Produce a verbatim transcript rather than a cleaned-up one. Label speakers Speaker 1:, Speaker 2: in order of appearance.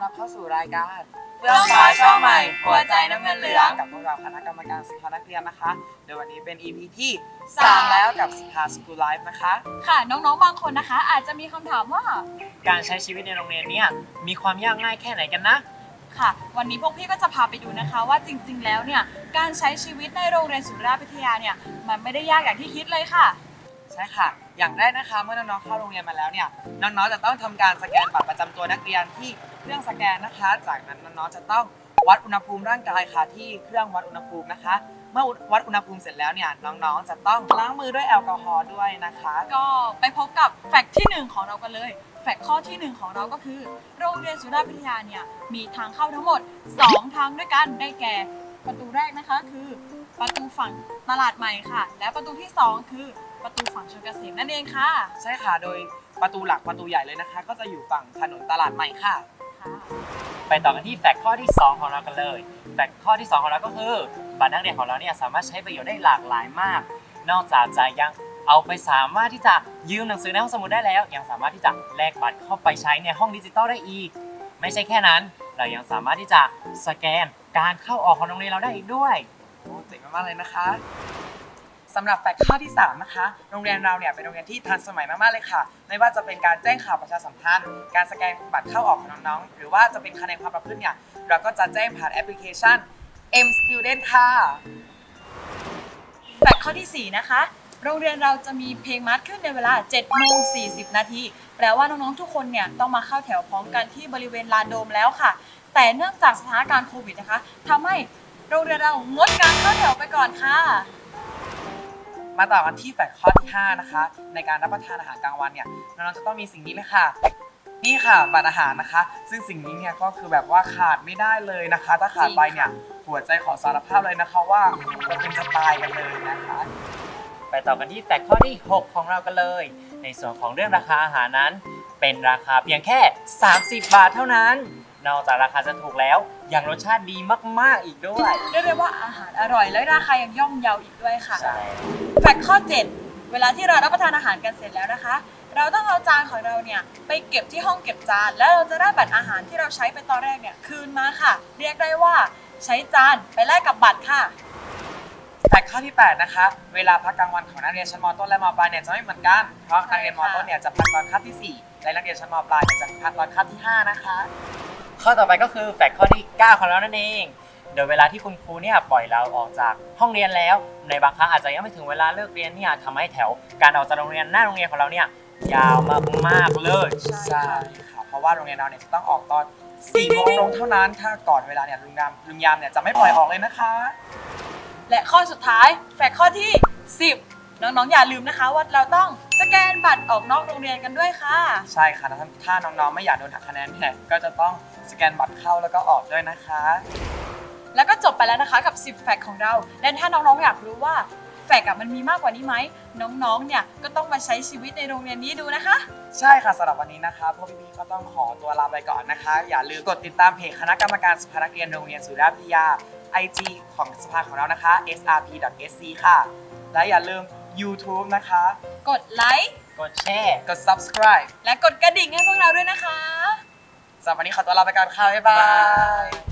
Speaker 1: รับเข้าสู่รายการ
Speaker 2: เฟื่องฟ้าช่องใหม่หัวใจน้ำเงินเหลือง
Speaker 1: กับพวกเราคณะกรรมการสิทธานักเรียนนะคะโดยวันนี้เป็น อี พี ที่สามแล้วกับสิทธาสกูลไลฟ์นะคะ
Speaker 2: ค่ะน้องๆบางคนนะคะอาจจะมีคำถามว่า
Speaker 3: การใช้ชีวิตในโรงเรียนเนี่ยมีความยากง่ายแค่ไหนกันนะ
Speaker 2: ค่ะวันนี้พวกพี่ก็จะพาไปดูนะคะว่าจริงๆแล้วเนี่ยการใช้ชีวิตในโรงเรียนสุราษฎร์วิทยาเนี่ยมันไม่ได้ยากอย่างที่คิดเลยค่ะ
Speaker 1: ใช่ค่ะอย่างแรกนะคะเมื่อน้องๆเข้าโรงเรียนมาแล้วเนี่ยน้องๆจะต้องทำการสแกนบัตรประจำตัวนักเรียนที่เครื่องสแกนนะคะจากนั้นน้องๆจะต้องวัดอุณหภูมิร่างกายค่ะที่เครื่องวัดอุณหภูมินะคะเมื่อวัดอุณหภูมิเสร็จแล้วเนี่ยน้องๆจะต้องล้างมือด้วยแอลกอฮอล์ด้วยนะคะ
Speaker 2: ก็ไปพบกับแฟกต์ที่หนึ่งของเรากันเลยแฟกต์ข้อที่หนึ่งของเราก็คือโรงเรียนสุราษฎร์วิทยาเนี่ยมีทางเข้าทั้งหมดสองทางด้วยกันได้แก่ประตูแรกนะคะคือประตูฝั่งตลาดใหม่ค่ะและประตูที่สองคือประตูฝั่งชลเกษมนั่นเองค่ะ
Speaker 1: ใช่ค่ะโดยประตูหลักประตูใหญ่เลยนะคะก็จะอยู่ฝั่งถนนตลาดใหม่ค่ะ
Speaker 3: ไปต่อกันที่แฟกต์ข้อที่สองของเรากันเลยแฟกต์ข้อที่สองของเราก็คือบัตรนักเรียนของเราเนี่ยสามารถใช้ประโยชน์ได้หลากหลายมากนอกจากจะยังเอาไปสามารถที่จะยืมหนังสือในห้องสมุดได้แล้วยังสามารถที่จะแลกบัตรเข้าไปใช้ในห้องดิจิตอลได้อีกไม่ใช่แค่นั้นเรายังสามารถที่จะสแกนการเข้าออกของโรงเรียนเราได้อีกด้วย
Speaker 1: โอ้เจ๋งมากๆเลยนะคะสำหรับแฟกต์ข้อที่สามนะคะโรงเรียนเราเนี่ยเป็นโรงเรียนที่ทันสมัยมากๆเลยค่ะไม่ว่าจะเป็นการแจ้งข่าวประชาสัมพันธ์การสแกนบัตรเข้าออกของน้องๆหรือว่าจะเป็นคะแนนความประพฤติเนี่ยเราก็จะแจ้งผ่านแอปพลิเคชัน M Student ค่ะ
Speaker 2: แฟกต์ข้อที่สี่นะคะโรงเรียนเราจะมีเพลงมาร์ชขึ้นในเวลา เจ็ดโมงสี่สิบ นาทีแปลว่าน้องๆทุกคนเนี่ยต้องมาเข้าแถวพร้อมกันที่บริเวณลานโดมแล้วค่ะแต่เนื่องจากสถานการณ์โควิดนะคะทำให้โรงเรียนเรางดการเข้าแถวไปก่อนค่ะ
Speaker 1: มาต่อกันที่แฟกต์ข้อที่ห้านะคะในการรับประทานอาหารกลางวันเนี่ยน้องๆจะต้องมีสิ่งนี้เลยค่ะนี่ค่ะบัตรอาหารนะคะซึ่งสิ่งนี้เนี่ยก็คือแบบว่าขาดไม่ได้เลยนะคะถ้าขาดไปเนี่ยหัวใจขอสารภาพเลยนะคะว่าเราเป็นจะตายกันเลยนะคะ
Speaker 3: ไปต่อกันที่แฟกต์ข้อที่หกของเรากันเลยในส่วนของเรื่องราคาอาหารนั้นเป็นราคาเพียงแค่สามสิบบาทเท่านั้นนอกจากราคาจะถูกแล้วยังรสชาติดีมากๆอีกด้วย
Speaker 2: เรียกได้ว่าอาหารอร่อยและราคายังย่อมเยาอีกด้วยค่ะ
Speaker 3: ใช่
Speaker 2: แฟกต์ข้อเจ็ดเวลาที่เรารับประทานอาหารกันเสร็จแล้วนะคะเราต้องเอาจานของเราเนี่ยไปเก็บที่ห้องเก็บจานแล้วเราจะได้บัตรอาหารที่เราใช้ไปตอนแรกเนี่ยคืนมาค่ะเรียกได้ว่าใช้จานไปแลกกับบัตรค่ะ
Speaker 1: แฟกต์ข้อที่แปดนะคะเวลาพักกลางวันของนักเรียนชั้นม.ต้นและม.ปลายเนี่ยจะไม่เหมือนกันเพราะนักเรียนม.ต้นเนี่ยจะพักตอนคาบที่สี่และนักเรียนชั้นม.ปลายเนี่ยจะพักตอนคาบที่ห้านะคะ
Speaker 3: ข้อต่อไปก็คือแฟกต์ข้อที่เก้าของเรานั่นเองโดยเวลาที่คุณครูเนี่ยปล่อยเราออกจากห้องเรียนแล้วในบางครั้งอาจจะยังไม่ถึงเวลาเลิกเรียนเนี่ยทำให้แถวการออกจากโรงเรียนหน้าโรงเรียนของเราเนี่ยยาวมากๆเลย
Speaker 1: ใช่ค่ะเพราะว่าโรงเรียนเราเนี่ยจะต้องออกตอนสี่โมงตรงเท่านั้นถ้าก่อนเวลาเนี่ยลุงยามลุงยามเนี่ยจะไม่ปล่อยออกเลยนะคะ
Speaker 2: และข้อสุดท้ายแฟกต์ข้อที่สิบน้องๆอย่าลืมนะคะว่าเราต้องสแกนบัตรออกนอกโรงเรียนกันด้วยค่ะ
Speaker 1: ใช่ค่ะถ้าน้องๆไม่อยากโดนหักคะแนนเนี่ยก็จะต้องสแกนบัตรเข้าแล้วก็ออกด้วยนะคะ
Speaker 2: แล้วก็จบไปแล้วนะคะกับสิบแฟกต์ของเราและถ้าน้องๆอยากรู้ว่าแฟกต์มันมีมากกว่านี้ไหมน้องๆเนี่ยก็ต้องมาใช้ชีวิตในโรงเรียนนี้ดูนะคะ
Speaker 1: ใช่ค่ะสำหรับวันนี้นะคะพวกพี่ๆก็ต้องขอตัวลาไปก่อนนะคะอย่าลืมกดติดตามเพจคณะกรรมการสภานักเรียนโรงเรียนสุราษฎร์วิทยา ไอ จี ของสภาของเรานะคะ เอส อาร์ พี ดอท เอส ซี ค่ะและอย่าลืม YouTube นะคะ
Speaker 2: กดไลค์
Speaker 3: กดแชร์
Speaker 1: กด Subscribe
Speaker 2: และกดกระดิ่งให้พวกเราด้วยนะคะ
Speaker 1: สำหรับวันนี้ขอตัวลาไปก่อนค่ะบ๊ายบาย